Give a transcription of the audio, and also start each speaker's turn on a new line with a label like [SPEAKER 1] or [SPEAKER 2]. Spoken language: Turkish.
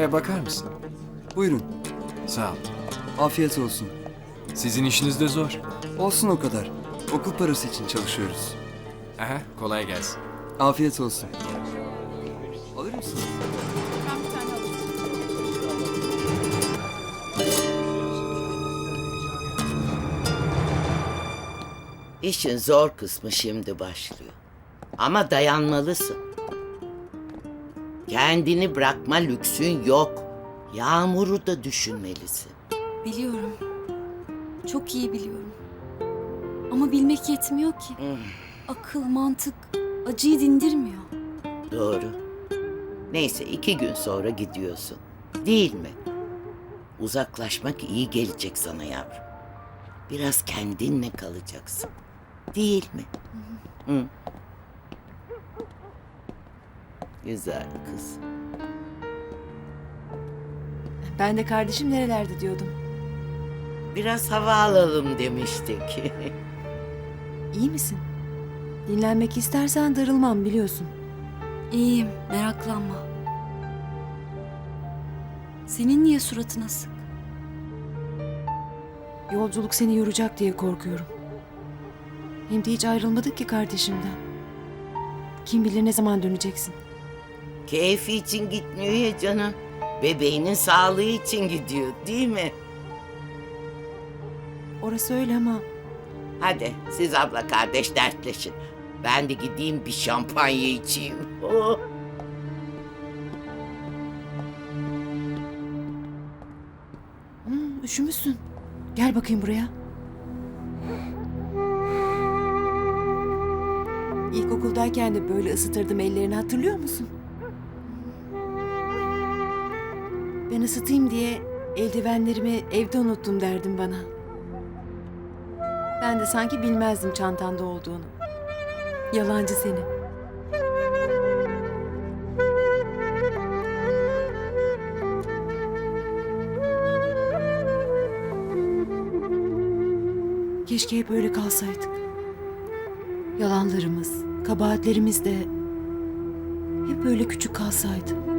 [SPEAKER 1] Bakar mısın?
[SPEAKER 2] Buyurun.
[SPEAKER 1] Sağ ol.
[SPEAKER 2] Afiyet olsun.
[SPEAKER 1] Sizin işiniz de zor.
[SPEAKER 2] Olsun o kadar. Okul parası için çalışıyoruz.
[SPEAKER 1] Aha, kolay gelsin.
[SPEAKER 2] Afiyet olsun. Alır mısınız?
[SPEAKER 3] İşin zor kısmı şimdi başlıyor. Ama dayanmalısın. Kendini bırakma lüksün yok. Yağmur'u da düşünmelisin.
[SPEAKER 4] Biliyorum. Çok iyi biliyorum. Ama bilmek yetmiyor ki. Akıl, mantık acıyı dindirmiyor.
[SPEAKER 3] Doğru. Neyse 2 gün sonra gidiyorsun. Değil mi? Uzaklaşmak iyi gelecek sana yavrum. Biraz kendinle kalacaksın. Değil mi? Hı. Güzel kız.
[SPEAKER 5] Ben de kardeşim nerelerde diyordum.
[SPEAKER 3] Biraz hava alalım demiştik.
[SPEAKER 5] İyi misin? Dinlenmek istersen darılmam biliyorsun.
[SPEAKER 4] İyiyim, meraklanma. Senin niye suratın asık?
[SPEAKER 5] Yolculuk seni yoracak diye korkuyorum. Hem de hiç ayrılmadık ki kardeşimden. Kim bilir ne zaman döneceksin.
[SPEAKER 3] Keyfi için gitmiyor ya canım. Bebeğinin sağlığı için gidiyor, değil mi?
[SPEAKER 5] Orası öyle ama
[SPEAKER 3] Hadi siz abla kardeş dertleşin. Ben de gideyim bir şampanya içeyim. Oh.
[SPEAKER 5] üşümüşsün. Gel bakayım buraya. İlkokuldayken de böyle ısıtırdım ellerini hatırlıyor musun? Ben ısıtayım diye eldivenlerimi evde unuttum derdim bana. Ben de sanki bilmezdim çantanda olduğunu. Yalancı seni. Keşke hep öyle kalsaydık. Yalanlarımız, kabahatlerimiz de hep öyle küçük kalsaydı.